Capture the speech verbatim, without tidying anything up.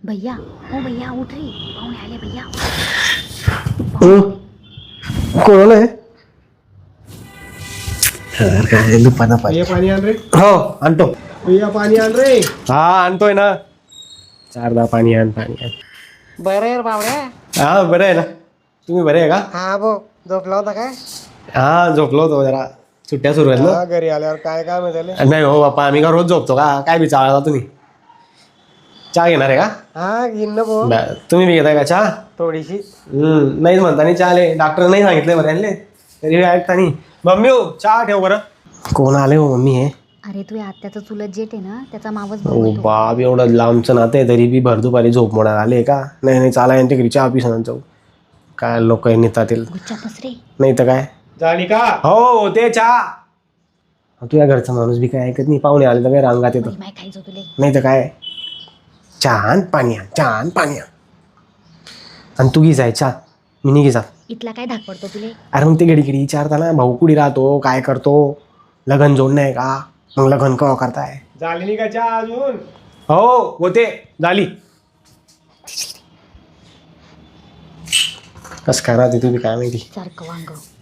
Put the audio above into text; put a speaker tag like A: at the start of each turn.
A: भैया ओ भैया उठ रे, पाहुणे आले भैया.
B: कोण आहे? काय दुपाना
C: भैया पाणी आण रे.
B: हो आणतो.
C: भैया पाणी आण रे.
B: हा आणतोय ना. चारदा पाणी आण पाणी आण.
C: बरं आहे बावड्या.
B: हा बरं आहे ना. तुम्ही बरे आहे का?
C: हा भाऊ झोपला होता काय?
B: हा झोपलो होतो जरा. सुट्ट्या सुरू आहेत
C: हा, घरी आल्यावर काय काय माहिती
B: ना. नाही हो बाप्पा आम्ही का रोज झोपतो का? काय बिचारता तुम्ही? चहा घेणार आहे का?
C: हा घेईन ना भाऊ.
B: बरं, तुम्ही बी घेताय का चहा?
C: थोडीशी.
B: हम्म नाहीच म्हणता नाही चहा आले. डॉक्टर नाही सांगितले बरं आणले तरी ऐकता नाही. मम्मी हो चहा ठेव बरं. कोण आले हो मम्मी हे?
A: अरे तू आत्याचा चुलत जेठ आहे ना, त्याचा मावस
B: ओ
A: भाऊ आहे तो.
B: बाप एवढं लांबचं नातं आहे तरी बी भर दुपारी झोप मोडायला आले का? नाही नाही चाला यांच्या घरी चहा पिसणार जाऊ. काय लोक नेतात
A: गुच्छा बस रे.
B: नाही तर काय.
C: झाली का?
B: हो ते चहा. तुझ्या घरचा माणूस बी काय ऐकत नाही. पाहुणे आले तर काय रांगात येतो.
A: माय खायचं तुले.
B: नाही तर काय. चहा आण पाणी आण चहा आण पाणी आण. आणि तू घे जाय चहा. मी नाही घे जात.
A: इथला काय धाक पडतो तुले?
B: अरे मग ते घडी घडी विचारता ना भाऊ कुठे राहतो काय करतो लग्न जोड नाही का मग लग्न केव्हा करताय.
C: झाली नाही का चहा अजून?
B: हो होते झाली. कस काय राहते तुम्ही काय माहिती.
A: सारखं वांग.